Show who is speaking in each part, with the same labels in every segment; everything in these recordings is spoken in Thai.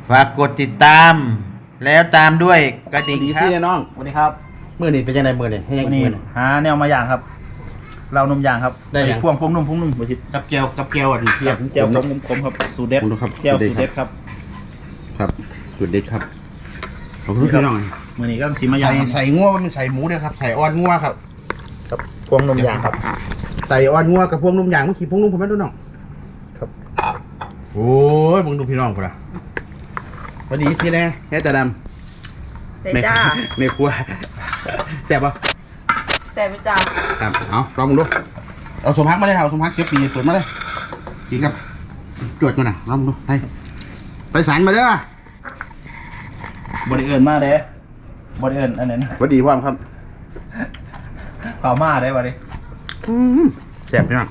Speaker 1: ฝากกดติดตาม แล้วตามด้วยกระดิ่งครับ
Speaker 2: พี่น้อง
Speaker 3: สวัสดีครับ
Speaker 2: มื้อนี้เป็นยังไงมื้อนี้ให้ยัง
Speaker 3: วันนี้
Speaker 2: มื้อนี้
Speaker 3: หาแนวมาอย่างครับ เรานมอย่างครับ
Speaker 2: ได้ยัง
Speaker 3: พวงนุ่มบทิศ
Speaker 2: กับแก้วอันนี้เทียบ
Speaker 3: เจียวขมครับสูตรเด็ด
Speaker 2: ผมดูครับ
Speaker 3: เจียวสูตรเด็ดครับ
Speaker 2: ครับสูตรเด็ดครับขอบคุณพี่น้อง
Speaker 3: มื้อนี้ก็สีมาอย่างครับ
Speaker 2: ใส่งัวมันใส่หมูเด้อครับใส่อ่อนงัวครับ
Speaker 3: ครับพวงนมอย่างครับ
Speaker 2: ใส่อ่อนงัวกับพวงนุ่มอย่างเมื่อกี้พวงนุ่มผมไม่รู้น้อง
Speaker 3: ครับ
Speaker 2: โอ้ยมึงดูพี่น้องกูละสวัสดีพี่แน่แค่ตาดำ
Speaker 4: เสร็จจ้า
Speaker 2: ไม่ครัวแซ่บปะ
Speaker 4: เสร็จไปจ้า
Speaker 2: ครับเอาลองมึงดูเอาสมพักมาเลยเอาสมพักเชียบปีเปิดมาเลยกินกับจวดกันนะลองมึงดูไปสารมาเด้อบ
Speaker 3: ริเอิญมากเลยบริเอิญอันนั้น
Speaker 2: สวัสดีพ่อมครับ
Speaker 3: เผามาได้บริ
Speaker 2: แซ่บพี่น้อง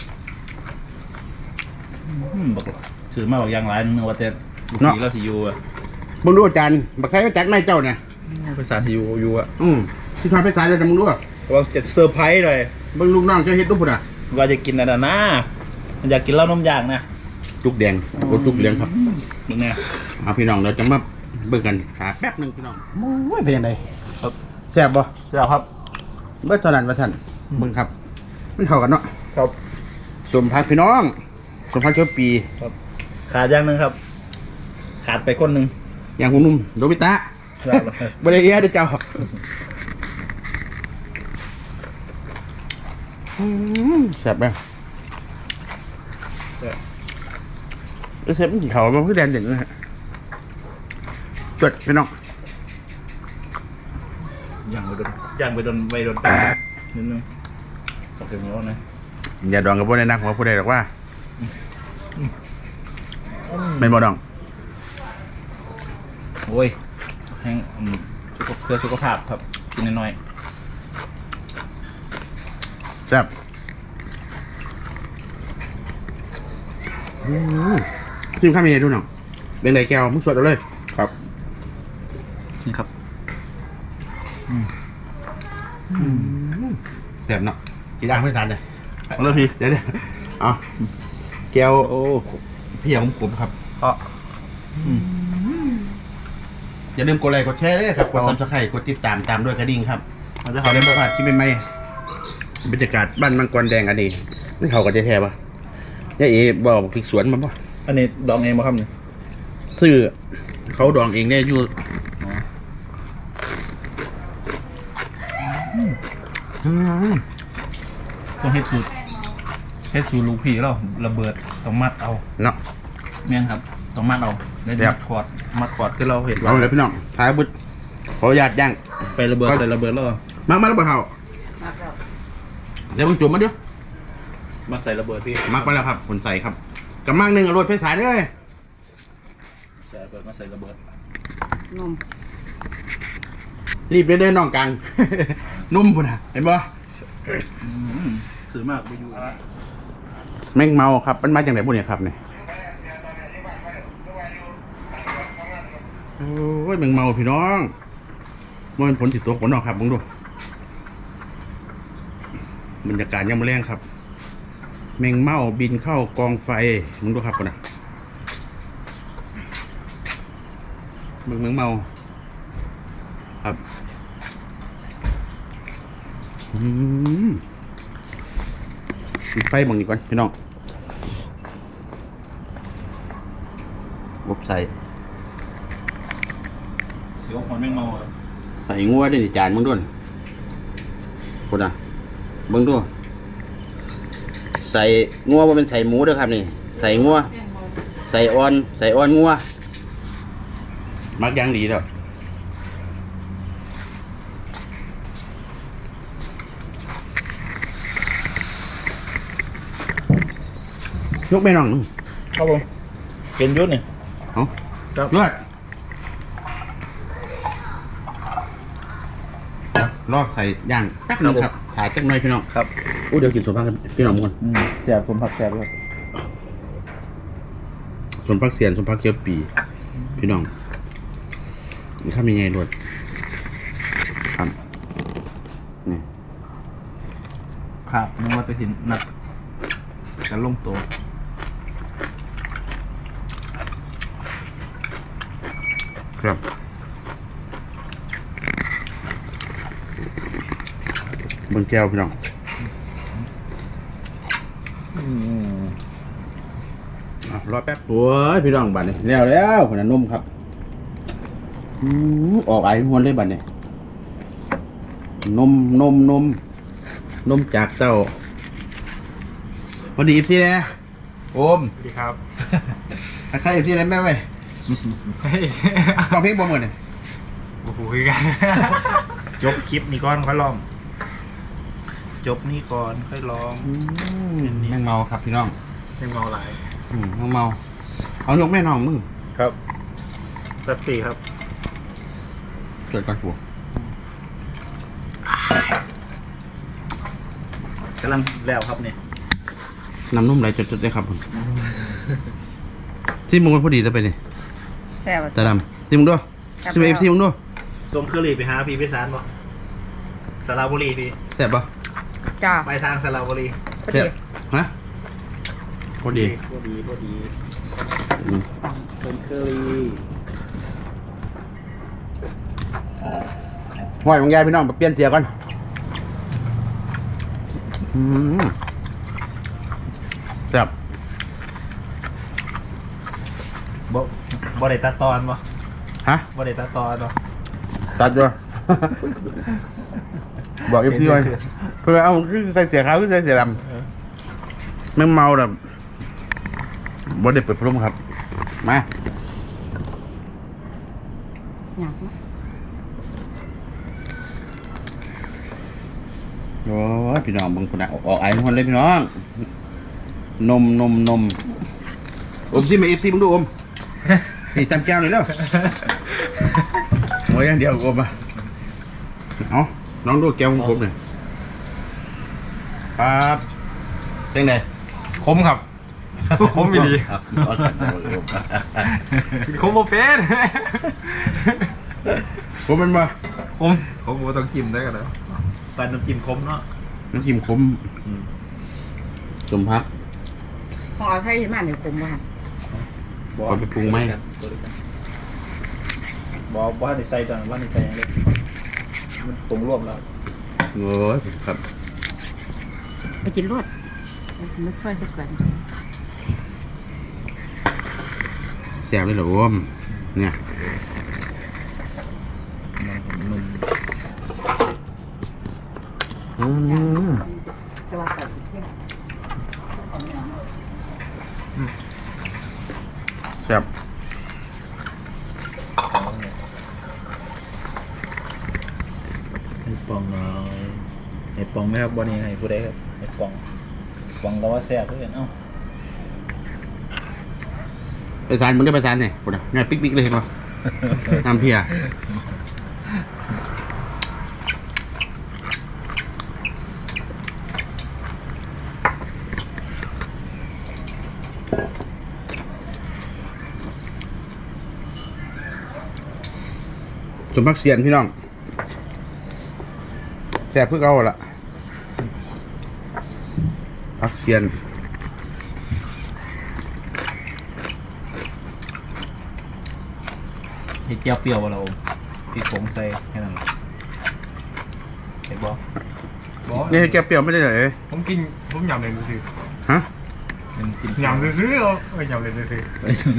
Speaker 3: บอกถือมาบอกอย่างไรนึกว่าแต่ลูกผีเราที่อยู่อ่ะ
Speaker 2: มึงดูอาจารย์บักไข่ก็จัดไม่เจ้าเนี่ย
Speaker 3: ภาษาที่อยู่อ่ะ
Speaker 2: ที่ทำไปสารเลยนะมึงดู
Speaker 3: ว่าจะเซอร์ไพรส์เลย
Speaker 2: มึงลูกน้องเจ้าเฮ็ดรูปพุ่นอ่ะ
Speaker 3: ว่าจะกินอะไรนะมันอยากกินเหล้านมอย่างนะ
Speaker 2: จุกแดงรถจุกเหลืองครับ
Speaker 3: มึงเนี่ย
Speaker 2: เอาพี่น้องเราจะมาเบิ่งกันหาแป๊บหนึงพี่น้องโอ้ยเป็นยังไง
Speaker 3: ครับ
Speaker 2: แซ่บบ่
Speaker 3: เจ้าครับ
Speaker 2: เบิดเท่านั้นว่าท่านเบิ่งครับมันเข้ากันเนาะ
Speaker 3: ครับ
Speaker 2: สมพักพี่น้องสมพักเชียวปี
Speaker 3: ขาดอย่างหนึ่งครับ ขาดไปคนหนึ่ง
Speaker 2: อย่างหุ่นนุ่มโดบิตะ
Speaker 3: ครับ
Speaker 2: บริเอียเด้อเจ้าแซ่บไหมเชฟมันกี่เขามันคือแดนเด่นนะฮะจดพี่น้อง
Speaker 3: ย่างไปโดนนิดนึงสักเดี๋ยวนี้นะ
Speaker 2: อย่าดองกับพวกในนักของผู้ใดหรอกว่าเป็นบ่ดอง
Speaker 3: โอ้ยแห้งเพื่อสุขภาพครับกินน้อย
Speaker 2: แซ่บชิมข้าวเมียดูหน่อยเป็นไรแก้วมึงสวดเอาเลยครับ
Speaker 3: ๆนี่ครับ
Speaker 2: แซ่บเนาะกี่ย่างไม่ทานเลย
Speaker 3: เอาเลยพี่
Speaker 2: เดี๋ยวเอาแก้ว
Speaker 3: โอ้
Speaker 2: พี่ของผมครับ
Speaker 3: เพราะ
Speaker 2: อย่าลืมกดไลค์กดแชร์ด้วยครับกดซับสไครต์กดติดตามด้วยกระดิ่งครับ
Speaker 3: เราจะ
Speaker 2: เขา
Speaker 3: เขา
Speaker 2: ได้
Speaker 3: ได้
Speaker 2: มาพลาดที่ไม่ไม่บรรยากาศบ้านมังกรแดงอันนี้นี่เขาก็จะแท้ปะยายเอ๋บอกพริกสวนมันปะ
Speaker 3: อันนี้ดองเองมาครับเนี่ย
Speaker 2: ซื้อเขาดองเองได้อยู่ม
Speaker 3: ต้องเฮ็ดสูตรลูกพี่เราระเบิดต้องมัดเอา
Speaker 2: เนาะ
Speaker 3: แม่นครับต้องมัดเอาแล้ว
Speaker 2: ครับ
Speaker 3: มัดขอดคือเราเห็น
Speaker 2: เอาเลยพี่น้องท้ายบุตรขออนุญาตย่าง
Speaker 3: ไประเบิดใส่ระเบิดแล้ว
Speaker 2: มักแล้วเปล่าเขา
Speaker 4: มาครับ
Speaker 2: เดี๋ยวมึงจุ่มมาดิ
Speaker 3: มาใส่ระเบิดพี่
Speaker 2: มักไปแล้วครับผลใส่ครับกำมังหนึ่งอร่อยเพชรสายเลย
Speaker 3: ใส่ระเบิดมาใส่ระเบิด
Speaker 4: นม
Speaker 2: รีบเดินน้องกลาง นุ่มพุ่นอ่ะเห็นปะ
Speaker 3: ซื้อมากไปอยู่
Speaker 2: แม่งเมาครับมันมาจากไหนพวกเนี้ยครับเนี่ยโอ้ยแม่งเมาพี่น้องมันเป็นผลติดตัวผลออกครับมึงดูบรรยากาศยังไม่แรงครับ แมงเม่าบินเข้ากองไฟมึงดูครับก่อนนะมึงแมงเม่าครับปิดไฟบังดีก่อนพี่น้องบบใส่
Speaker 3: เสียวคนแม่งเมา
Speaker 2: ใส่งัวด้วยนี่จานมึงด้วยคนอ่ะมึงดูใส่งัวว่าเป็นใส่หมูด้วยครับนี่ใส่งัวใส่อ่อนงัวมักย่างดีแล้วยกไปน้อง
Speaker 3: ครับผมเป็นยุทธนี่
Speaker 2: เอา
Speaker 3: ครับ
Speaker 2: ยอดลอกใส่ย่างแป๊บนึงครับขายจักหน่อยพี่น้อง
Speaker 3: ครับ
Speaker 2: อู้เดี๋ยวกินสมพักกันพี่น้องก่อน
Speaker 3: แสบผมผักแสบเลย
Speaker 2: สมพักเสียนสมพักเคี้ยวปีพี่น้องนี่ข้ามีไงรวดครับนี่
Speaker 3: ครับนึกว่าจะสินนัดกันลงตัว
Speaker 2: ครับเบิ่งแก้วพี่น้องรอแป๊บโอ้ยพี่น้องบัดนี้แล้วคนน่ะนมครับออกไอหวนเลยบัดนี้นมจากเต้าวันดีอีฟซี่นะโอม
Speaker 3: สวัสดีครับ
Speaker 2: ใครอีฟซี่นะแม่เว้ย
Speaker 3: เฮ้ย
Speaker 2: ลองเพลงบ่เหมือนเนี่ย
Speaker 3: โอ้โหคือกัน จบคลิปนี้ก่อนค่อยลอง จบนี่ก่อนค่อยลอง
Speaker 2: แม่งเมาครับพี่น้อง
Speaker 3: ยังเมาหลาย
Speaker 2: แม่งเมาเอายกแม่น้องมึง
Speaker 3: ครับแป๊บสี่ครับ
Speaker 2: เกิดก่อนผัว
Speaker 3: กำลังแล้วครับเนี่ย
Speaker 2: น้ำนุ่มไหลจดๆได้ครับผมที่มึงมันพอดีแล้วไปนี่
Speaker 4: แซ่บ
Speaker 2: ตาดำที่มึงด้วยซิมเอฟซีมึงด้วย
Speaker 3: ส่งเคอรี่ไปหาพี่พิสารป่ะสระบุรีพี่
Speaker 2: แซ่บปะ
Speaker 4: จ้า
Speaker 3: ไปทางสระบุรี
Speaker 4: พอ
Speaker 2: แซ่
Speaker 4: ดี
Speaker 2: บฮะพอดี
Speaker 3: พอดี
Speaker 2: อืม
Speaker 3: ส่งเคอรี่
Speaker 2: ห้อยของยายพี่น้องไปเปลี่ยนเสียก่อนแซ่บ
Speaker 3: บ่ได้ตัดตอนป่ะ
Speaker 2: ฮะ
Speaker 3: บ่ได้ตัดตอนป่ะ
Speaker 2: ตัดด้วยบอกเอฟซีไว้เพื่อเอาคือใส่เสียขาวคือใส่เสียดำแม่งเมาแบบบ่ได้เปิดพัดลมครับมา
Speaker 4: อยากนะ
Speaker 2: โอ้ยพี่น้องเบิ่งคนน่ะออกไอ้ทุกคนเลยพี่น้องนมอมซิมาเอฟซีมึงดูอมนี่จำแก้วเลยแล้วโอ้ยอย่างเดียวอมอ่ะเอาน้องดูแก้วของผมหน่อยครับเป็นไง
Speaker 3: คมครับ คมไม่ดี
Speaker 2: ครับ
Speaker 3: คมโมเป็น
Speaker 2: ผมเป็นมา
Speaker 3: คมโมต้องจิ้มได้กันเลยปันน้ำจิ้มคมเนาะ
Speaker 2: น้ำจิ้มขมสมพัก
Speaker 4: ของเอาไทยมาเนี่ยผมว่า
Speaker 2: เอาไปปรุงไหม
Speaker 3: บอกว่าในใส่ตอนว่าในใส่ยังเล็กมันปรุงรวมแล้ว
Speaker 2: โอ้ยครับ
Speaker 4: ไปกินรวดนึกช่วยสักวัน
Speaker 2: แซ่บเลยเหรออมเนี่ย
Speaker 4: จะว่าใส่เที่ยว
Speaker 2: แซ่บ
Speaker 3: ให้ปองหน่อยให้ปองไหมครับวันนี้ให้ผู้ใดครับให้ปองปองก็ว่าแซ่บด้วยกันเอ้า
Speaker 2: ไปสานมึงได้ไปสานเนี่ยกูนะง่ายปิ๊กๆเลยเห็นป่ะน้ำเพียสมพักเสียนพี่น้องแซ่บเพื่อเอาละพักเสียน
Speaker 3: เห็ดเจียวเปรี้ยวเราที่ผมใส่แค่นั้นเห็นบอก
Speaker 2: นี่แกเปรี้ยวไม่ได้เลย
Speaker 3: ผมกินผมยำเลยซื้อ
Speaker 2: ฮะ
Speaker 3: ยำเลยซื้อเอายำเลยซื้อ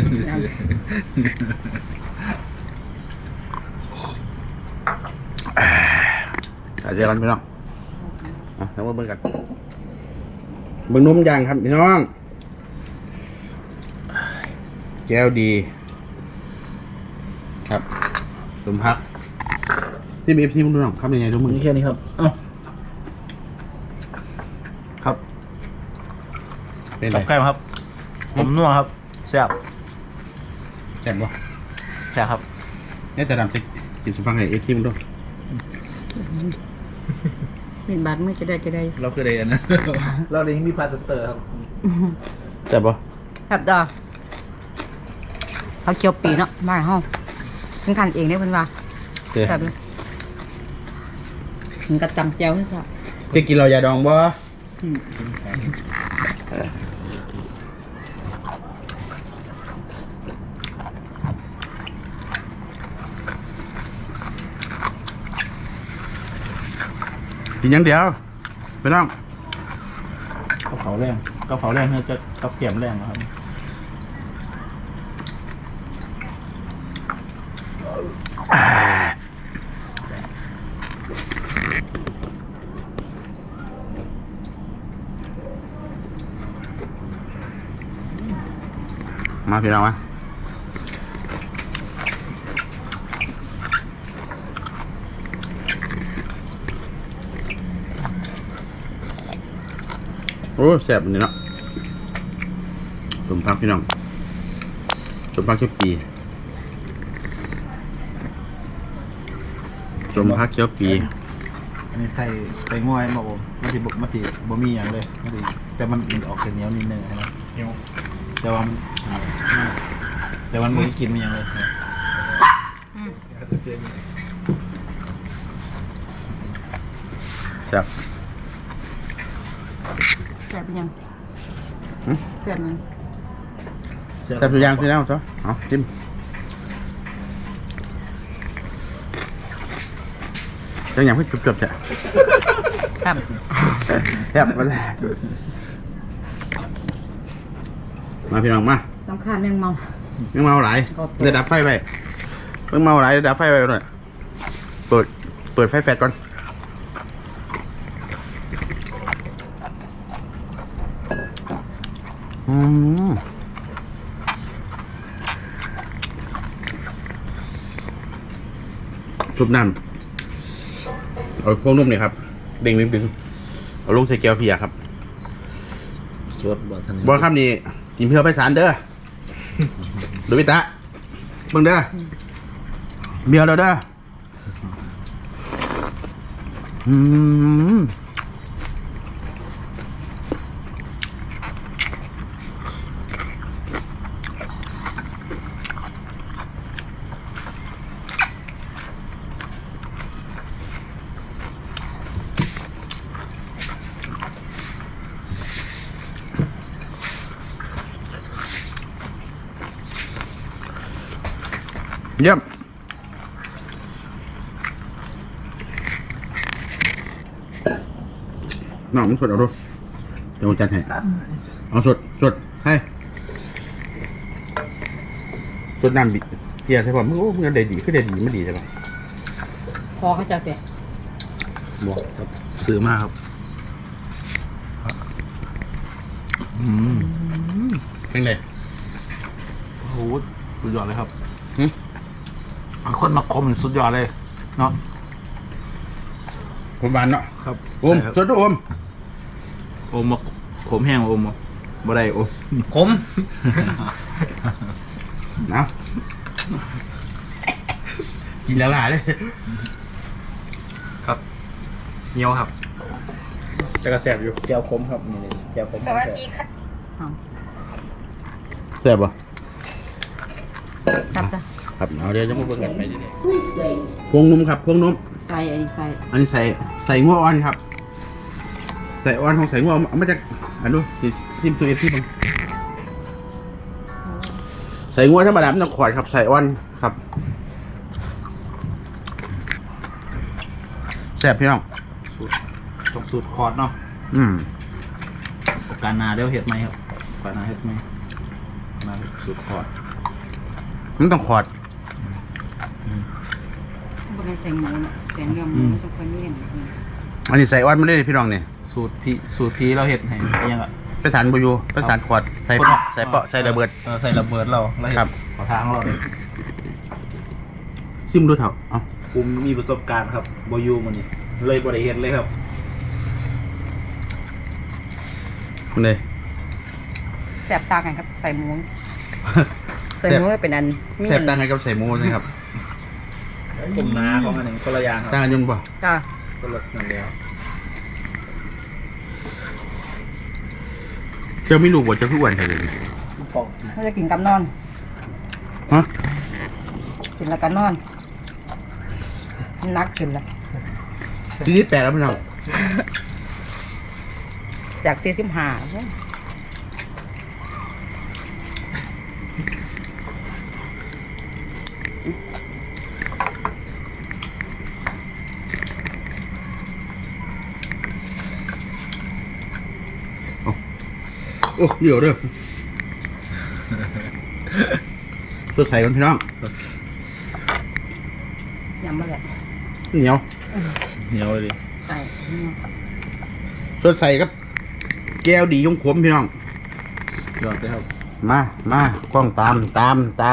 Speaker 2: เจอกันพี่น้องแล้วมาเบิ่งกันเบิ่งนมย่างครับพี่น้องแก้วดีครับสมพักที่มีเอฟซีมึงดูหน่อยครับยังไงดูมึง
Speaker 3: นี่แค่นี้ครับเอ้าครับ
Speaker 2: เป็นไร
Speaker 3: จับไก่ครับผมนัวครับแซ่บ
Speaker 2: แซ่บบ่
Speaker 3: แซ่บครับ
Speaker 2: เนี่ยแต่ดำจะกินสมพักให้เอฟซีมึงดู
Speaker 4: มีบัตรไม่จะได้
Speaker 3: เราคืออะไรนะ เราเลยมีพาสเตอร์ครับ
Speaker 2: แซ่บบ่
Speaker 4: ครับจ้าเขาเคียวปีเนาะบ้านห้องเพิ่นขันเองได้เพิ่นว่า
Speaker 2: เจ๊
Speaker 4: แบบมันกระจำเจียวให้จ้ะ
Speaker 2: จะกินเรายาดองบ่กินอย่างเดียวไม่ต้อง
Speaker 3: กระเพราแรงเนี่ยจะกับเกี่ยมแรงนะครับ
Speaker 2: มาพี่น้องมาโอ้แซ่บนี่เนาะสมพักพี่น้องสมพักเขียวปีสมพักเขียวปี
Speaker 3: อันนี้ใส่ง่วยมาผมมันสิบ่มีอย่างเลยมันสิแต่มันออกเป็นเหนียวนิดนึงนะแต่ว่ามันไม่ได้กินมันอย่างเลย
Speaker 2: ครับ
Speaker 4: แซ่บยังแซ่บยัง
Speaker 2: แซ่บทุกอย่างพี่น้องจ้ะเอาจิ้มจังอย่างเพิ่งจบๆจ้ะ
Speaker 4: ครับ
Speaker 2: แซ่บมาแล้วมาพี่น้องมา
Speaker 4: ต้องคาดแมงเมา
Speaker 2: เพิ่งเมาหลายเดี๋ยวดับไฟไปเพิ่งเมาหลายเดี๋ยวดับไฟไปหน่อยเปิดไฟแฟลชก่อนทุบน้ำเอาพวกนุ่มนี่ครับดึงเอาลงใส่แก้วเพียครับ
Speaker 3: รสบ่ทัน
Speaker 2: บอลครับนี่กินเพื่อไปสารเด้อดูวิตะเบิ่งเด้อเบียวเราเด้อเยี่ยมน้องมันสดเอาดูเดี๋ยวผมจัดให้เอาสดให้สดน้ำบิเฮียใช่ป่ะมึงโอ้มึงได้ดีขึ้นได้ดีไม่ดีใช่ป่ะ
Speaker 4: พอเขาจะเตะ
Speaker 3: บอกครับซื้อมาครับ
Speaker 2: เป็นไง
Speaker 3: โอ้โหสุดยอดเลยครับ
Speaker 2: หึ
Speaker 3: คนมาคมสุดยอดเลยเนาะ
Speaker 2: ผมบานเนาะ
Speaker 3: ครับ
Speaker 2: โอมสดด้วยโอม
Speaker 3: โอมมาขมแห้งโอมบ่ได้โอมขม
Speaker 2: เอากินแล้วล่ะเลย
Speaker 3: ครับเหนียวครับจะกระแสบอยู่แก้วขมครับนี่แก้วขม
Speaker 4: สวัสดีค่ะ
Speaker 2: แซ่บป่ะ
Speaker 4: ครับจ้ะ
Speaker 2: ครับเอาเดี๋ยวจะมาเบิ่งกันไปดิพวงนมครับพวงนม
Speaker 4: ใส่อันนี้ใส่
Speaker 2: อันนี้ใส่งัวอ่อนครับ ใส่อ่อนของใส่งัวเอามาจากอันนู้นทิมตัวเอฟที่บังใส่งัวธรรมดาไม่ต้องขวดครับ ใส่อ่อนครับแซ่บพี่น้อง
Speaker 3: ต้องสูตรคอร์ดเนาะ โอกาสหนาเดี๋ยวเห็ดไหมครับโอกาสหนาเห็ดไหมมาสูตรคอร์ด
Speaker 2: มันต้องขวด
Speaker 4: บ่ได้ใส่หมูนะแต่เนื้อหมูมันจะค่อยเลี่ยน
Speaker 2: อันนี้ใส่อ่อนมาเลยพี่น้องนี่
Speaker 3: สูตรพีเราเห็ดให้ยังอ่ะ
Speaker 2: ไปสารบอยูไปสารขวดใส่ใส่เปาะใส่ระเบิด
Speaker 3: ใส่ระเบิดเราเห็ด
Speaker 2: ครับ
Speaker 3: ขอทางเราเลย
Speaker 2: ซิมดูเถอะเอา
Speaker 3: ผมมีประสบการณ์ครับบอยูมันนี่เลยบริเห็ดเลยครับ
Speaker 2: คุณเลย
Speaker 4: แซ่บตากันครับใส่หมูใส่หมูเป็นอันนี่
Speaker 2: แซ่บต่างกันกับใส่หมูนะครับ
Speaker 3: ผมนาของอันหนึ่งคนละอย่างค
Speaker 2: ต่าง
Speaker 3: รับ
Speaker 2: กันยังป่ะ
Speaker 4: จ้า
Speaker 3: คนละนั่นเดียว
Speaker 2: เจ้าไม่รู้ว่าจะพูดวันอะไร
Speaker 4: เขาจะกินกับนอน
Speaker 2: ฮะ
Speaker 4: กินแล้วก็นอนนักขึ้นละ
Speaker 2: ที่8แล้วพี่น้อง
Speaker 4: จาก45
Speaker 2: โอ้เดี๋ยวเด้อสดใสกันพี่น้อง
Speaker 4: ยำมาแหละ
Speaker 2: เหนียว
Speaker 3: เหนียวเลยดิ
Speaker 4: ใส่
Speaker 2: สดใสครับแก้วดีของผมพี่น้อง
Speaker 3: ยอดเลยครับ
Speaker 2: มากล้องตาม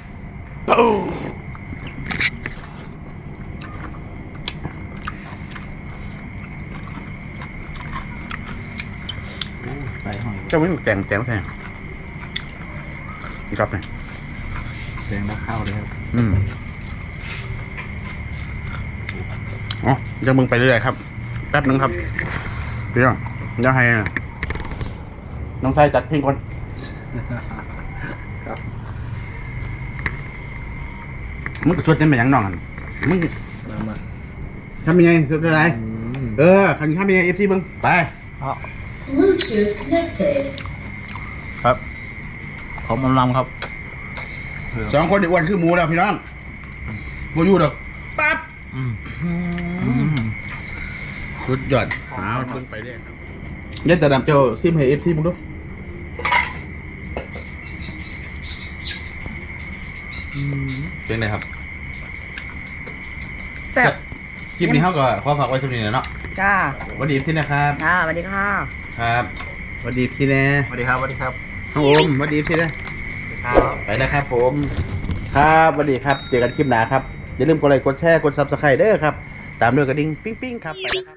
Speaker 3: ใส่หอย
Speaker 2: เจ้าไม่แต่งแทงครับเนี่ย
Speaker 3: แดงรับข้าวเลยครับ
Speaker 2: อ๋อจะมึงไปเรื่อยๆครับแป๊บนึงครับพี่น้องเดี๋ยวให้น้องชายจัดเพลงก่อน
Speaker 3: ครับ
Speaker 2: มึงก็ชวนเต้นไปยังน้องกันมึง
Speaker 3: มา
Speaker 2: ทำยังไงชวนอะไรขันข้ามยังไงเอฟซีมึงไป
Speaker 5: Bluetooth connected.
Speaker 3: ครับขอมลำครับ
Speaker 2: สองคนนี่อ้วนคือหมูแล้วพี่น้องโมยูดอกปั๊บสุดยอดเอาเพิ่งไปเรื่อยครับยัดแต่ดำเจ้าซิมให้เอฟซีมึงดูเป็นไงครับ
Speaker 4: แซ่บ
Speaker 1: คลิปนี้เขาก็ขอฝากไว้ตรงนี้นะเนาะ
Speaker 4: จ้า
Speaker 1: สวัสดีที่นะครับ
Speaker 4: จ้าสวัสดีค่ะ
Speaker 1: ครับ
Speaker 2: สวัสดีพี่แน่
Speaker 3: สวัสดีครับสวัสดีครับ
Speaker 2: น้องโอมสวัสดีพี่แน่
Speaker 3: ครับ
Speaker 1: ไปแล้วครับผม
Speaker 2: ครับสวัสดีครับเจอกันคลิปหน้าครับอย่าลืมกดไลค์กดแชร์กดซับสไครต์เด้อครับตามด้วยกระดิ่งปิ้งๆครับไปแล้วครับ